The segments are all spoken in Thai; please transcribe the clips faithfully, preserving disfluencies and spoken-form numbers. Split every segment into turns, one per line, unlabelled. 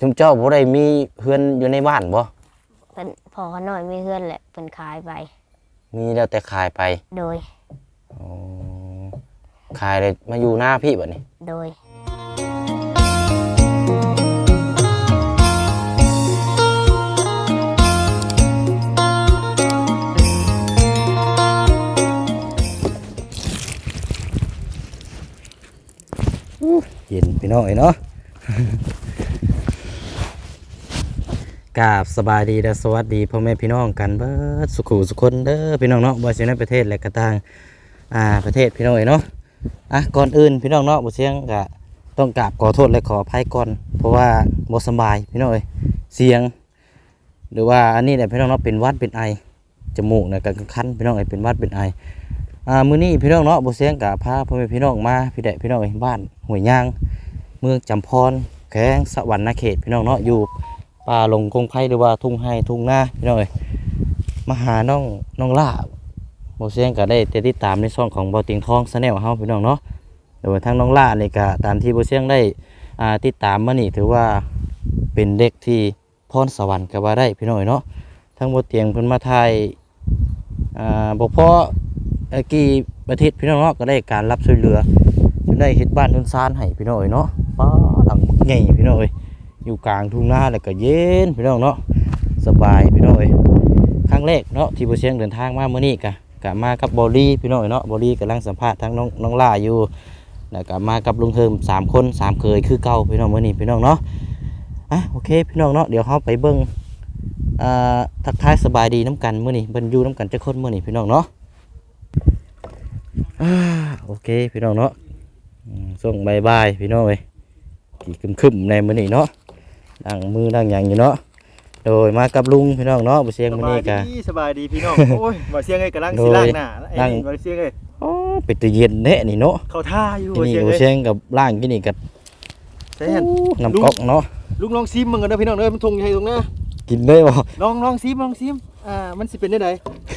ชุมเจ้าบ่ได้มีเฮือนอยู่ในบ้านบ่
เป็นพอเขาหน่อยไม่เฮือนแหละเป็นขายไป
มีแล้วแต่ขายไป
โดย
อ๋อขายเลยมาอยู่หน้าพี่บัดนี้
โดย
เย็นพี่น้องเนาะกราบสบายดีและสวัสดีพ่อแม่พี่น้องกันเบิดสุขุสุขคนเด้อพี่น้องเนาะบ่ว่าสิในประเทศและก็ต่างอ่าประเทศพี่น้องเนาะอ่ะก่อนอื่นพี่น้องเนาะบ่เสียงก็ต้องกราบขอโทษและขออภัยก่อนเพราะว่าบ่สบายพี่น้องเอ้ยเสียงหรือว่าอันนี้เนี่ยพี่น้องเนาะเป็นหวัดเป็นไอจมูกเนี่ยก็คันพี่น้องเอ้ยเป็นหวัดเป็นไออ่ามื้อนี้พี่น้องเนาะบ่เสียงก็พาพ่อแม่พี่น้องมาพี่แดะพี่น้องเอ้ยบ้านห้วยยางเมืองจำพรแขวงสะหวรรณเขตพี่น้องเนาะอยู่ป่าหลงคงไผ่หรือว่าทุ่งไห้ทุ่งนาพี่น้องเอ้ยมาหาน้องน้องล่าบ่เสียงก็ได้ติดตามในช่องของบ่อติงทอง Channel เฮาพี่น้องเนาะโดยทางน้องล่านี่ก็ตามที่บ่เสียงได้อ่าติดตามมานี่ถือว่าเป็นเด็กที่พรสวรรค์ก็ว่าได้พี่น้องเนาะทั้งบ่เตียงเพิ่นมาถ่ายอ่าบ่พอเอ่อกี่อาทิตย์พี่น้องเนาะก็ได้การรับช่วยเหลือจนได้เฮ็ดบ้านเรือนซานให้พี่น้องเนาะป้าหลังใหญ่พี่น้องเอ้ยอยู่กลางทุ่งนาแล้วก็เย็นพี่น้องเนาะสบายพี่น้องเอ้ยครั้งแรกเนาะที่บ่เสียงเดินทางมามื้อนี้ก็ก็มากับบอลี่พี่น้องเนาะบอลี่กำลังสัมภาษณ์ทั้งน้องน้องล่าอยู่แล้วก็มากับลุงเทิมสามคนสามเคยคือเก่าพี่น้องมื้อนี้พี่น้องเนาะอ่ะโอเคพี่น้องเนาะเดี๋ยวเฮาไปเบิ่งอ่าทักทายสบายดีน้ำกันมื้อนี้เบิ่นอยู่น้ำกันจักคนมื้อนี้พี่น้องเนาะอ่าโอเคพี่น้องเนาะส่งบายบายพี่น้องเอ้ยกี่คึมๆในมื้อนี้เนาะดังมือดังหยังอยู่เนาะโดยมากับลุงพี่น้องเนาะบ่เสียงมื้อนี้ก็
สบายดีพี่น้องโอ้ยบ่เสียงเอ้ยกำลังสิล้างหน้าไอ้นี่บ่เสียงเอ้ย
โอ้เป็นตะเย็นแท้นี่เนาะ
เข้าท่าอยู่บ่
นี่
เสียงเอ้ย
บ่เสียงกับล้างกินนี่ก็
ใช่หั่น
น้ำก๊อกเนาะ
ลุงลองซิมมึงกันเด้อพี่น้องเด้อมันทงให้ตรงหน้า
กินได้บ่
ลองลองซิมลองซิมอ่ามันสิเป็นได้ใด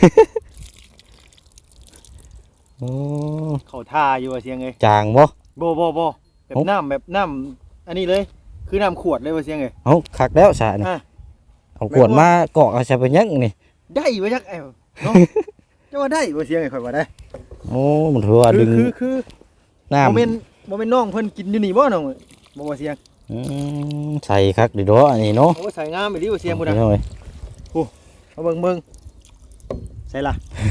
โอ้
เข้าท่าอยู่บ่เสียงเอ้ย
จางบ่
บ่บ่บ่แบบน้ำแบบน้ำอันนี้เลยคือน้ำขวดเลยบ่เสียงเอ้ย
เอ้าคักแล้วซะนี่เอาขวดมากอกเอาใส่ไปยังนี่
ได้บ่จักไอ้เนาะจะว่าได้บ่เสียงเอ้ยค่อยว่าได้
โอ้มันถือว่าดึง
คือคือ
น้ำ
บ่แม่นบ่แม่นน้องเพิ่นกินอยู่นี่บ่น้องบ่ว่าเสียง
อืมใส่คักดิดออันนี้เนาะ
โอ้ใส่งามอีหลีบ่เสียงพุ่นน่ะโอ้มาเบิ่งเบิ่งใส่ล่ะ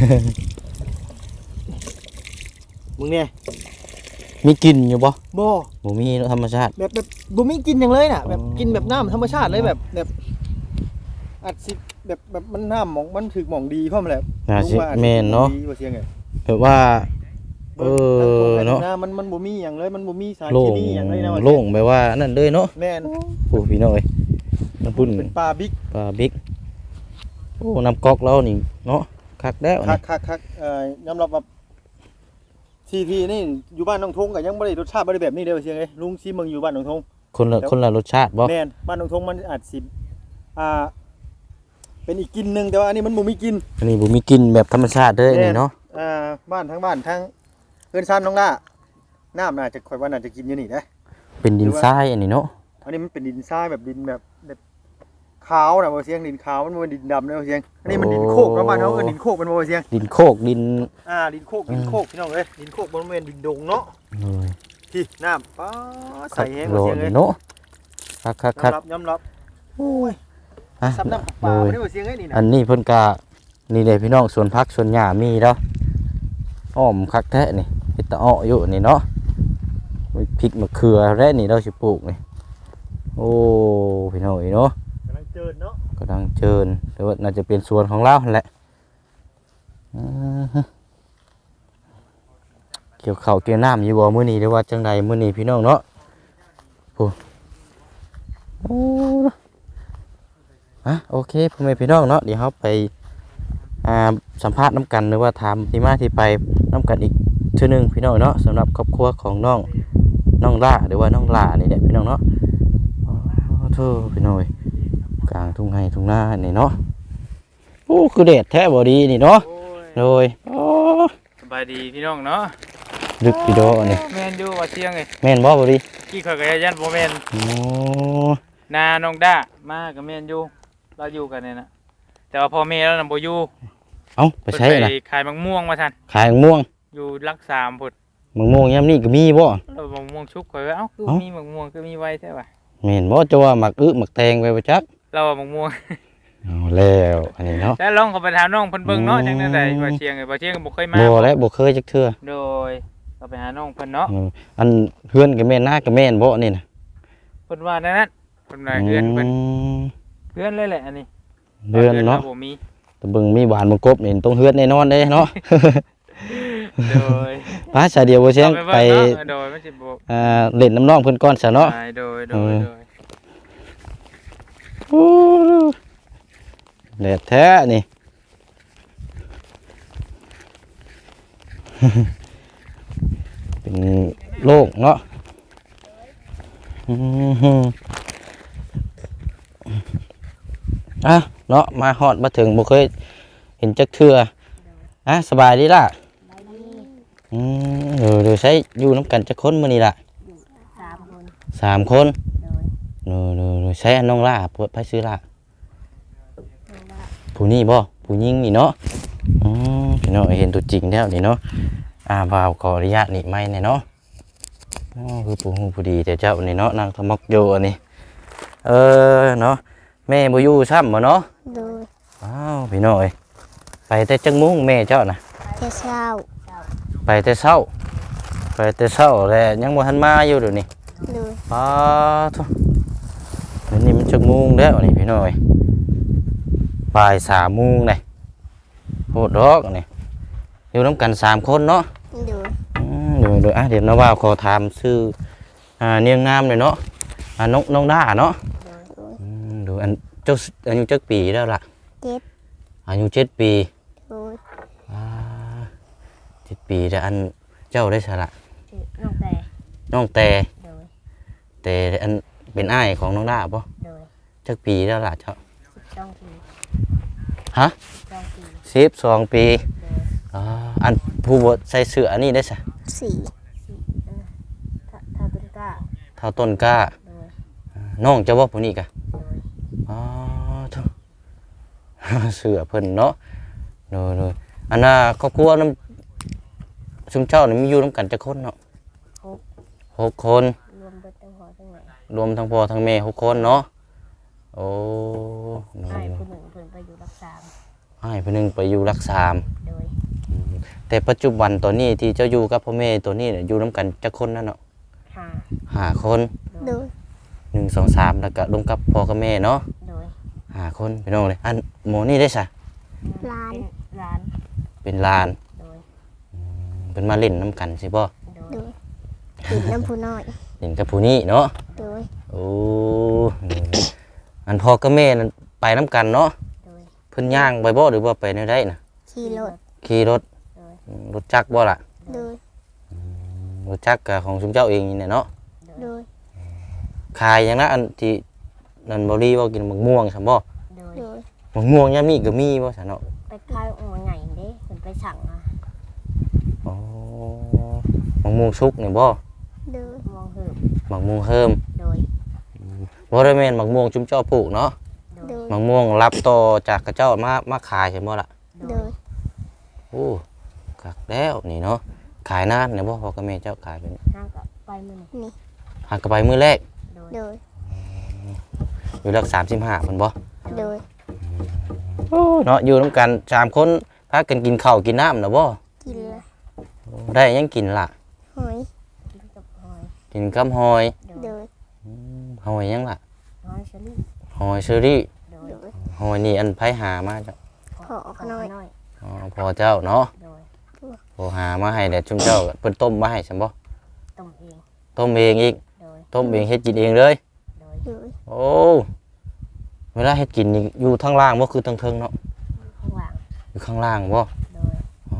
มึงเนี่ย
มีกลิ่นอยู่บ่
บ่
บ่มีธรรมชาติ
แบบแบบบ่มีกลิ่นหยังเลยน่ะแบบกินแบบน้ำธรรมชาติเลยแบบแบบอัดสิแบบแบบมันน้ำหม่องมันถึกหม่องดีพร้อมแหละ
น่าสิแม่นเนาะแบบว่าเออเนาะ
มันมันบ่มีหยังเลยมันบ่มีสาร
เค
มีหยังเลยนะ
โล่งแบบว่านั่นเลยเนาะ
แม่น
โอ้พี่น้อยน้ำพุ่น
เป็นปลาบิ๊ก
ปลาบิ๊กโอ้น้ำก๊อกแล้วนี่เนาะคักแล้ว
คักคักคักเอ่อยอมรับว่าซีทีนี่อยู่บ้านหนองทงก็ยังบ่ได้รสชาติบ่ได้แบบนี้เด้อเสียงเอ้ยลุงซิมึงอยู่บ้านหนองทง
คนละคนละรสชาติบ่
แม่นบ้านหนองทงมันอาจสิอ่าเป็นอีกกลิ่นนึงแต่ว่าอันนี้มันบ่มีกลิ่น
อันนี้บ่มีกลิ่นแบบธรรมชาติเด้อนี่เนาะ
อ่าบ้านทั้งบ้านทั้งเอิ้นซ่านน้องล่าน้ำน่าจะค่อยว่าน่าจะกินอยู่นี่นะ
เป็นดินทรายอันนี้เนาะ
อันนี้มันเป็นดินทรายแบบดินแบบแบบขาวน่ะบ่เสียงดินขาวมันบ่ดินดำนะบ่เสียงอันนี้มันดินโคกประมาณเฮาเอิ้นดินโคกมันบ่เสียง
ดินโคกดิน
อ่าดินโคกดินโคกพี่น้องเอ้ยดินโคกบ่แม่นดินดงเนาะเออที่น้ำป๊าใส่แฮงบ่เสียงเอ้ย
เนาะคักๆ
ๆยอมรับโอ้ย
อ่ะ
ซับน้ำปลาบ่ได้บ่เสียงเอ้ยนี่นะ
อันนี้เพิ่นก็นี่เด้พี่น้องสวนผักสวนหญ้ามีแล้วอ้อมคักแท้นี่เฮ็ดตะอ้ออยู่นี่เนาะพริกมะเขือแร่นี่เราสิปลูกนี่โอ้พี่น้องเนาะ
กำลังเจิญเนาะ
กำลังเจิญแต่ว่าน่าจะเป็นสวนของเราแหละเกี่ยวข้าวเกี่ยวน้ำอยู่บ่มื้อนี้หรือว่าจังใดมื้อนี้พี่น้องเนาะโอ้โอ้อ่ะโอเคพ่อแม่พี่น้องเนาะเดี๋ยวเราไปอ่าสัมภาษณ์น้ำกันหรือว่าถามที่มาที่ไปน้ำกันอีกเทื่อนึงพี่น้องเนาะสำหรับครอบครัวของน้องน้องล่าหรือว่าน้องล่านี่แหละพี่น้องเนาะอ๋อโธ่พี่น้องกลางทุ่งไร่ทุ่งนานี่เนาะโอ้คือเด็ดแท้บ่ดีนี่เนาะโดยโอ้
สบายดีพี่น้องเนาะ
ดึกพี่โดนี่
แม่นอยู่ว่าเที่ยงไง
แม่นบ่บ่ดี
กี่ข่อยก็ยันบ่แม่น
โอ้
นาน้องด้ามากับแม่นอยู่เราอยู่กันเนี่ยนะแต่ว่าพ่อแม่เรานำบ่อยู่
เอ้าไปใช้
เพิ่น
น่ะ
ไปขายมะม่วงมาทัน
ขายมะม่วง
อยู่รักสามพุ่น
มะม่วงยามนี้ก็มีบ่
เรามะม่วงชุกข่อยว่าเอ้าคือ
เอ้ามี
มีมะม่วงคือมีไว้แท้ว่ะ
แม่นบ่จะว่าหมักอึหมักแตงไว้บ่จัก
เราว่ามะม่วง
เอาแล้วอันนี้เนาะ
แล้วลองเขาไปถามน้องเพิ่นเบิ่งเนาะ
อืม
จังได๋ได้ว่าเชียงไอ้บ่เชียงก็บ่เคยมา
บ่แล้วบ่เคยจักเทื่อ
โดยเราไปหาน้องเพิ่นเนาะ
เอออันเฮือนก็แม่นหน้าก็แม่นบ่นี่น่ะ
เพิ่นว่าแนวนั้นเพิ่นว่าเพื่อนเพิ่น
ม
เพื่อนเลยแหละอันนี้
เฮือนเนาะ
บ่มี
แตะเบิ่งมีหวานบ่กบนี่ต้องเฮือนแน่นอนเด้เนาะ
โดย
ป้าชาเดียวบ่เชียงไป
เบิ่งเนาะโดยมันสิบ่
อ่าเล่นน้ำน้องเพิ่นก่อนซะเนาะ
ไปโดยโด
เอย อ
โดย
โอ้แดดแท้นี่ เป็นโรคเนาะอือหืออ่ะเนาะมาฮอดมาถึงบ่เคยเห็นจักเทื่ออ่ะสบายดีล่ะอืมเดี๋ยวเดี๋ยวใช้อยู่น้ำกันจักคนมื้อนี้ล่ะ
สามคน
สามคน
โดย
เดี๋ยวเดี๋ยวเดี๋ยวใช้อันน้องล่าเปิดไปซื้อล่ะ
น้องว่า
ผู้นี้บ่ผู้หญิงนี่เนาะอืมพี่น้องเห็นตัวจริงแล้วนี่เนาะอ่าบ่าวขออนุญาตนี่ไม่เนี่ยเนาะอ๋อคือผู้ฮู้ผู้ดีแต่เจ้านี่เนาะนางทมกโยอันนี้เออเนาะแม่บ่อยู่ซ้ำบ่เนาะ
โดย
อ้าวพี่น้องเอ้ยไปแต่จังมุ้งแม่เจ้าน่ะ
เจ้าเช้า
ไปแต่เช้าไปแต่เช้าแล้วยังบ่ทันมาอยู่เดี๋ยวนี้
โดย
อ้าทุเดี๋ยวนี้มันจังมุ้งแล้วนี่พี่น้องเอ้ยบ่ายสามโมงเลยโหดดอกนี่อยู่น้ำกันสามคนเนาะ
โดย
อืมเดี๋ยวเดี๋ยวอ่ะเดี๋ยวนะว่าขอถามชื่ออ่าเนียงงามเลยเนาะอ่าน้องน้องด้าเนาะ
โดย
อืมดูอันเจ้าอายุเจ็ดปีแล้วล่ะ
เจ็ด
อายุเจ็ดปี
โดย
อ่าเจ็ดปีแต่อันเจ้าได้สละ
ชื่อน้องแต่
น้องแต่
โดย
แต่อันเป็นอ้ายของน้องด้าปะ
โดย
เจ็ดปีแล้วล่ะเจ้า
สิบสองปี
ฮะ
สองปี
สิบสองปี
โดย
อ่าอันผู้บใส่เสื้ออันนี้ได้สะ
สี่สี่เออถ้าถ้าต้นกล้า
เท่าต้นกล้า
โดย
อ่าน้องเจ้าว่าผู้นี้กะ
โดย
อ๋อทุ เสือเพิ่นเนาะโดยโดยอันน่ะครอบครัวน้ำชุมเจ้านี่มีอยู่น้ำกันจักคนเนาะ
หก
หกคน
รวมเบิดตั้งหัวตั้งไหน
รวมทั้งพ่อทั้งแม่หกคนเนาะโอ้โด
ให้
ย
ผู้หนึ่งเพิ่นไปอยู่รักษา
ให้ผู้หนึงไปอยู่รักษาม
โดย
แต่ปัจจุบันตัวนี้ที่เจ้าอยู่กับพ่อแม่ตัวนี้เนี่ยอยู่น้ำกันจักคนนั่นเนาะ
หา
ห้าคน
โดย
หนึ่งสองสามแล้วก็รวมกับพ่อกับแม่เนาะ
โดย
ห้าคนพี่น้องเลยอันหมอนี่ได้สะ
ร้านร้าน
เป็นลาน
โดย
เป็นมาเล่นน้ำกันสิบ่
โดยติดน้ำผู้น้อย
เล่นกับผู้นี้เนาะ
โดย
โอ้อันพ่อกับแม่นั่นไปน้ำกันเนาะ
โดย
เพิ่นย่างไปบ่หรือว่าไปแนวใดน่ะ
ขี่รถ
ขี่รถ
โดย
อืมรถจักรบ่ล่ะ
โดย
รถจักรก็ของชุมเจ้าเองนี่แหละเนาะ
โดย
ขายอย่างนั้นอันที่นั่นบ่รีว่ากินมะม่วงซั่นบ่
โดย โดย
มะม่วงยามนี้ก็มีบ่ซั่นเนาะ
ไปคายหัวใหญ่เด้เพิ่นไปสั่งอ่ะ
อ๋อมะม่วงสุกนี่บ่
โดยมองเหิม
มะม่วงเฮิม
โดย
บ่ได้แม่นมะม่วงชุมเจ้าปลูกเนาะ
โดย
มะม่วงรับต่อจากกระเจ้ามามาขายใช่บ่ล่ะ
โดย
โอ้คักแล้วนี่เนาะขายนานเนี่ยบ่พ่อกับแม่เจ้าขายเป็น
ห้างก็ไปมื้อนี้
หากนไปมื้อแรก
โดย โดย
อยู่หลักสามสิบห้าเพิ่นบ่
โดย
โอ้เนาะอยู่นํกันสามคนพากันกินข้าวกินน้ำน่ะบ่
กินละ
โอ้ได้หยังกินล่ะ
หอยกินกับหอย
กินกับหอย
โดย
อืมหอยหยังล่ะ
หอยเชอรี่
หอยเชอรี่
โดย โดย
หอยนี่อันไผหามาจ้ะ
ขอขน้อย
อ๋อพ่อเจ้าเนาะ
โดย
พ่อหามาให้แล้วชุมเจ้าเพิ่นต้มมาให้ซั่นบ่
ต้มเอง
ต้มเองอีก
โดย
ต้มเองเฮ็ดกินเองเลย
โดย โดย
โอ้เวลาเฮ็ดกินนี่อยู่ทางล่างบ่คือทางเทิงเนาะ
ข้างหลัง
อยู่ข้างล่างบ่
โดย
อ๋อ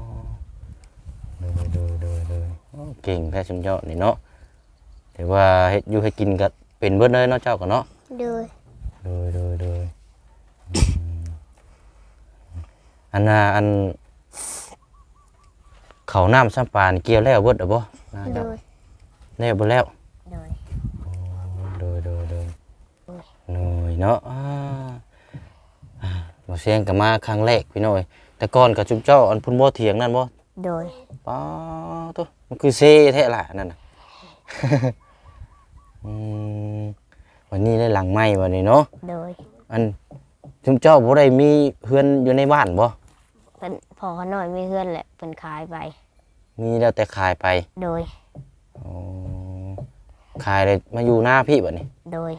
โดยโดยโดยโดยโอ้เก่งแท้ชุมเจ้านี่เนาะแต่ว่าเฮ็ดอยู่เฮ็ดกินก็เป็นเบิดเลยเนาะเจ้าก็เนาะ
โดย
โดยโดยโดยอืมอันน่ะอันเขาวน้ำซ้ำปลานี่เกี่ยวแล้วเบิดอ่ะบ่น่า
โด
จะ
ย
แล้วบ่แล้ว
โดย
โดยโดยโดยเนาะอ่าอ่าบ่เสียงก็มาครั้งแรกพี่น้อยแต่ก่อนก็จุ๊บเจ้าอันพุ่นบ่เถียงนั่นบ่
โดย
ป๊าตัวมันคือเซแท้ล่ะนั่นน่ะ อืมวันนี้ได้หลังไม้วันนี้เนาะ
โดย
อันจุ๊บเจ้าบ่ได้มีเฮือนอยู่ในบ้านบ่
เป็นพอเขาหน่อยไม่เพื่อนแหละเป็นขายไป
มีแล้วแต่ขายไป
โดย
อ๋อขายเลยมาอยู่หน้าพี่บัดนี้
โดย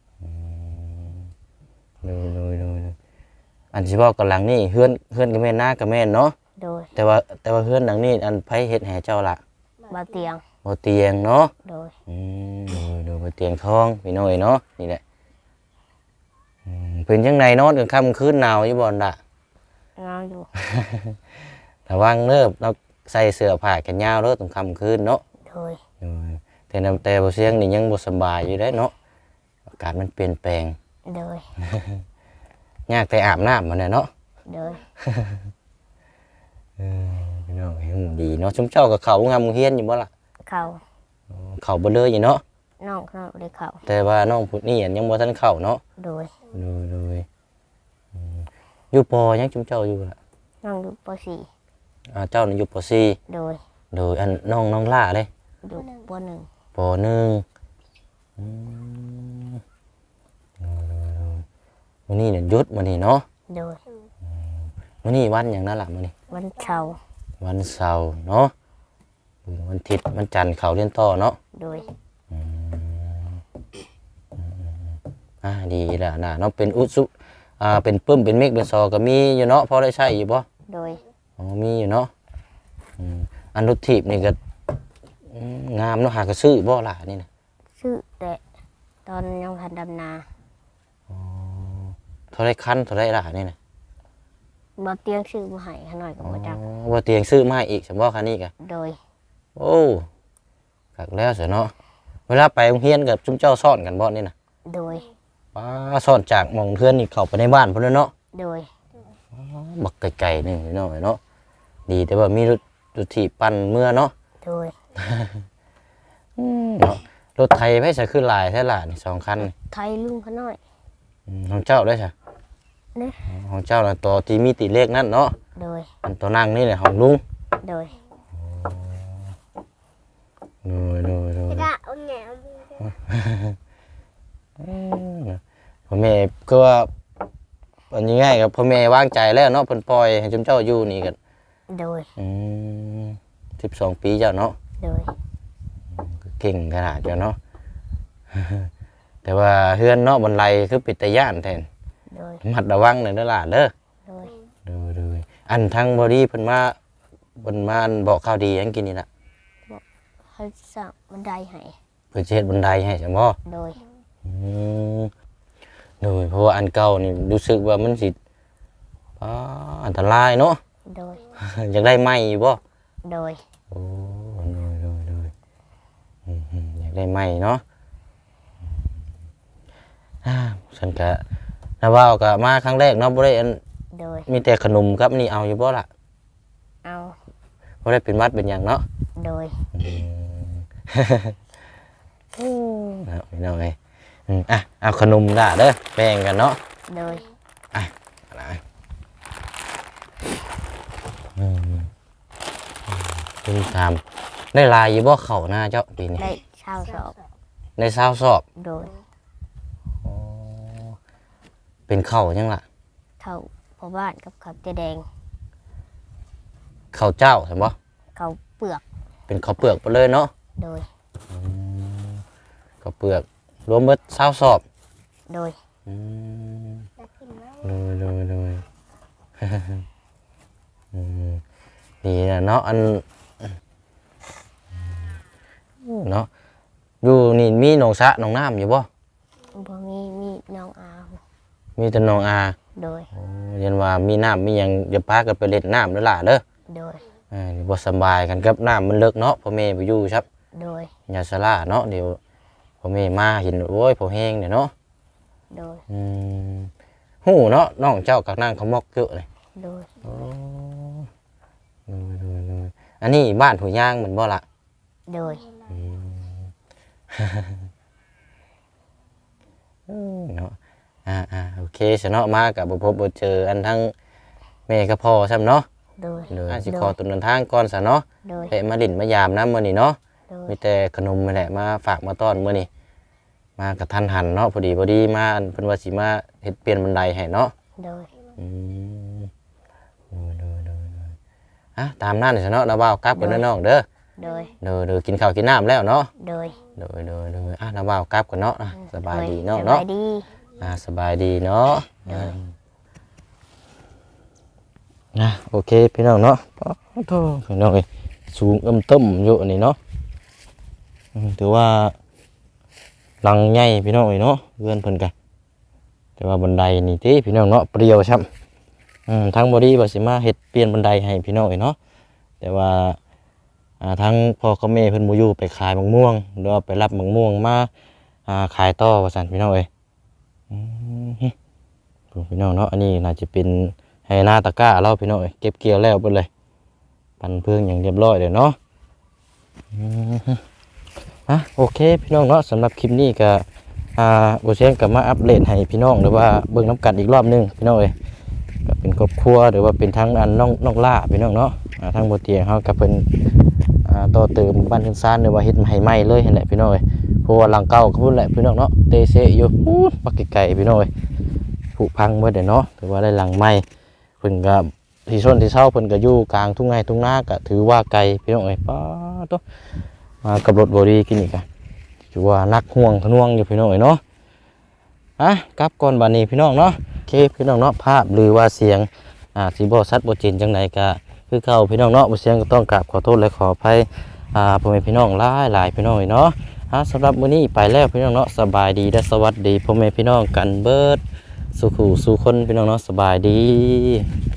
เลยเลยเลยเลยอันที่บอกกับหลังนี่เฮือนเฮือนกับแม่นหน้ากับแม่นเนาะ
โดย
แต่ว่าแต่ว่าเฮือนหลังนี้อันไผเฮ็ดให้เจ้าละ
บาเตียง
บ่เตียงเนาะ
โดย
อืมเลยเลยบ่เตียงทองพี่น้อยเนาะนี่แหละอืมเป็นจังไดนอนกลางค่ำคืนหนาวอยู่บ่ล่ะ
เงาอยู่
ระวังเด้อเราใส่เสื้อผ้าแขนยาวเด้อตรงค่ำคืนเนาะ
โดย
เออแต่นำแต่บ่เสียงนี่ยังบ่สำบายอยู่เด้เนาะอากาศมันเปลี่ยนแปลง
โดย
ยากแต่อาบน้ำมันน่ะเนาะ
โดย
เออพี่น้องเห็นดีเนาะชุมเจ้ากับเขางามเฮียนอยู่บ่ล่ะ
เข่า
เขาบ่เลยอยู่เนาะ
น้องเขาเลยเข่า
แต่ว่าน้องพุทธนี่ยังบ่ทันเข้าเนาะ
โดย
เลยเลยอืมอยู่ปอยังชุมเจ้าอยู่ล่ะ
น้องอยู่ปสี่
อ่าเจ้านี่อยู่ปสี่
โดย
โดยอันน้องน้องล่าเลย
อยู่ปหนึ่ง
ปหนึ่งอืมมื้อนี้เนี่ยหยุดมื้อนี้เนาะ
โดย
มื้อนี้วันหยังนั่นล่ะมื้อนี้
วันเช้าร์
วันเสาร์เนาะวันอาทิตย์วันจันทร์เขาเรียนต่อเนาะ
โดย
อืมอืมอ่าดีแล้วนะเนาะเป็นอุสุอ่าเป็นปึ้มเป็นเมฆเป็นซอก็มีอยู่เนาะพอได้ใช้อยู่บ่
โดย
อ๋อมีอยู่เนาะอืมอันรถถีบนี่ก็อืมงามเนาะหากระซื้อบ่ล่ะนี่นะ
ชื่อแต่ตอนยังทันดำนา
อ๋อเท่าไรคันเท่าไรล่ะนี่นะ
บาเตียงชื่อมาให้เขาหน่อยก็
อ๋อ
มาจัก
ว่าเตียงซื้อมาให้อีกสมบ่คันนี้กะ
โดย
โอ้กักแล้วเสียเนาะเวลาไปโรงเรียนกับจุมเจ้าซ่อนกันบ่นี่นะ
โดย
ป้าซ่อนจากหม่องเพื่อนนี่เข้าไปในบ้านพุ่นแล้วเนาะ
โดย
บักไกลๆหนึงพี่น้องเนาะดีแต่ว่ามีรถรถถีบปั่นเมื่อเนาะ
โดย
เนาะรถไทยไม่ใช่ขึ้นลายแท้ล่ะนี่สองคันนี่
ไทยลุงเขาหน่อย
อืมของเจ้าได้ใช่
เนี่ย
ของเจ้าน่ะตัวที่มีติเลขนั่นเนาะ
โดย
อันตัวนั่งนี่แหละของลุง
โดย
โดยโดยโดย
กะเอาแหนม
พ่อแม่ก็ว่าอันนี้ง่ายกับพ่อแม่วางใจแล้วเนาะเพิ่นปล่อยให้จุมเจ้าอยู่นี่กัน
โดย
อืมสิบสองปีเจ้าเนาะ
โดย
เก่งขนาดเจ้าเนาะ แต่ว่าเฮือนเนาะบนไลคือปิดตาย่านแทน
โดย
มัดระวังหน่อยเด้อล่ะเด้อ
โดย
เด้อเด้ออันทางบอดี้เพิ่นมาเพิ่นมาอันบอกข่าวดีหยังกินนี่ล่ะ
เขาสั่งบันไดให้
เพิ่นสิเฮ็ดบันไดให้จังบ่
โดย
อืมโดยเพราะว่าอันเก่านี่รู้สึกว่ามันสิอ่าอันตรายเนาะ
โดย
อยากได้ไม้อยู่บ่
โดย
โอ้โดยโดยโดยอืมๆอยากได้ไม้เนาะอ่าฉันก็นะว่าก็มาครั้งแรกเนาะบ่ได้อัน
โดย
มีแต่ขนมครับนี่เอาอยู่บ่ล่ะ
เอา
บ่ได้เป็นหวัดเป็นหยังเนาะ
โดย
อืมเอาพี่น้องเอ้ยอืมอ่ะเอาขนมล่ะเด้อแบ่งกันเนาะ
โดย
อะไรอืมคุณถามได้ลายอยู่บ่เข้าหน้าเจ้าปีนี้
ได้เช่าสอบ
ได้ซาวสอบ
โดย
อ๋อเป็นเข้ายังล่ะ
เขาพอบ้านกับเขาเจแดง
ข้าวเจ้าใช่บ่
เขาเปลือก
เป็นข้าวเปลือกไปเลยเนาะ
โดย
ข้าวเปลือกรวมเบิดซาวสอบ
โดย
อืมเลยเลยเลย อืมดีนะเนาะอันเนาะอยู่นี่มีหนองสระหนองน้ำอยู่บ่
พอมีมีน้องอาว
มีแต่หนองอา
โดย
โอ้เรียนว่ามีน้ำมีหยังอย่าพากันไปเล่นน้ำเด้อล่ะเด้อ
โดย
อ่าบ่สำบายกันกับน้ำมันเลิกเนาะพ่อแม่ไปอยู่ครับ
โดย
อย่าสลาเนาะเดี๋ยวพ่อแม่มาเห็นโอ้ยพ่อแห้งเนี่ยเนาะ
โดย
อืมฮู้เนาะน้องเจ้ากับนางเขามอกเยอะเลย
โดย
โอ้ดูดูดูอันนี้บ้านหัวย่างเหมือนบ่ละ
โดย
อืม อืมเนาะอ่าเคซะเนาะมาก็บ่พบบ่เจออันทั้งแม่กับพ่อซ้ำเนาะ
โดย
เดี๋ยวสิขอตัวเดินทางก่อนซะเนาะ
โดย
ไปมาลิ้นมายามน้ำมื้อนี้เนาะ
โดย
มีแต่ขนมนี่แหละมาฝากมาต้อนมื้อนี้มากระทันหันเนาะพอดีพอดีมาอันเพิ่นว่าสิมาเฮ็ดเปลี่ยนบันไดให้เนาะ
โดย
อืมโดยโดยโดยอ่ะตามนั้นซะเนาะนะบ่าวกลับกันเด้อน้องเด้อ
โดย
เด้อเด้อกินข้าวกินน้ำแล้วเนาะ
โดย
โดยโดยโดยอ่ะนะบ่าวกลับกันเนาะอ่ะสบายดีเนาะ
ส
เนาะ
บายดี
อ่าสบายดีเนาะอ่านะโอเคพี่น้องเนาะโอ้โธ่พี่น้องเอ้ยสูงเอิ่มต้มอยู่อันนี้เนาะอืมถือว่าหลังใหญ่พี่น้องเอ้ยเนาะเพื่อนเพิ่นกันแต่ว่าบันไดนี่ติพี่น้องเนาะเปรี้ยวช้ำอืมทางบ่ดีว่าสิมาเฮ็ดเปลี่ยนบันไดให้พี่น้องเอ้ยเนาะแต่ว่าอ่าทางพ่อกับแม่เพิ่นบ่อยู่ไปขายมะม่วงหรือว่าไปรับมะม่วงมาอ่าขายต่อว่าซั่นพี่น้องเอ้ย อืมฮึพี่น้องเนาะอันนี้น่าจะเป็นไฮนาตะกร้าเราพี่น้องเอ้ยเก็บเกี่ยวแล้วเบิดเลยปั่นเพื่องอย่างเรียบร้อยเลยเนาะอืมฮึอ่ะโอเคพี่น้องเนาะสำหรับคลิปนี้ก็อ่าโบเชนกลับมาอัปเดตให้พี่น้องหรือว่าเบิ่งน้ำกันอีกรอบหนึงพี่น้องเอ้ยก็เป็นครอบครัวหรือว่าเป็นทั้งอันน้องน้องล่าพี่น้องเนาะอ่าทั้งบนเตียงเขาก็เป็นอ่าต่อเติมบ้านขึ้นซ่านหรือว่าเฮ็ดให้ใหม่เลยเห็นแหละพี่น้องเอ้ยเพราะว่าหลังเก่าก็พูดแหละพี่น้องเนาะเตเซอยู่พูดปักไก่พี่น้องเอ้ย ผุพังเมื่อเดี๋ยวเนาะถือว่าได้หลังไม้เพิ่นก็ที่ส้นที่เช่าเพิ่นก็อยู่กลางทุ่งไร่ทุ่งนาก็ถือว่าไกลพี่น้องเอ้ยป้าตัวมากับรถบรีกินอีกอะถือว่านักห่วงทะนวงอยู่พี่น้องเอ้ยเนาะอ่ะกลับก่อนบัดนี้พี่น้องเนาะโอเคพี่น้องเนาะภาพหรือว่าเสียงอ่าสิบ่ชัดบ่เจนจังไดก็คือเก่าพี่น้องเนาะบ่เสียงก็ต้องกราบขอโทษและขออภัยอ่าพ่อแม่พี่น้องหลายหลายพี่น้องเอ้ยเนาะอ่ะสำหรับมื้อนี้ไปแล้วพี่น้องเนาะสบายดีและสวัสดีพ่อแม่พี่น้องกันเบิด สุขูสุคนพี่น้องเนาะสบายดี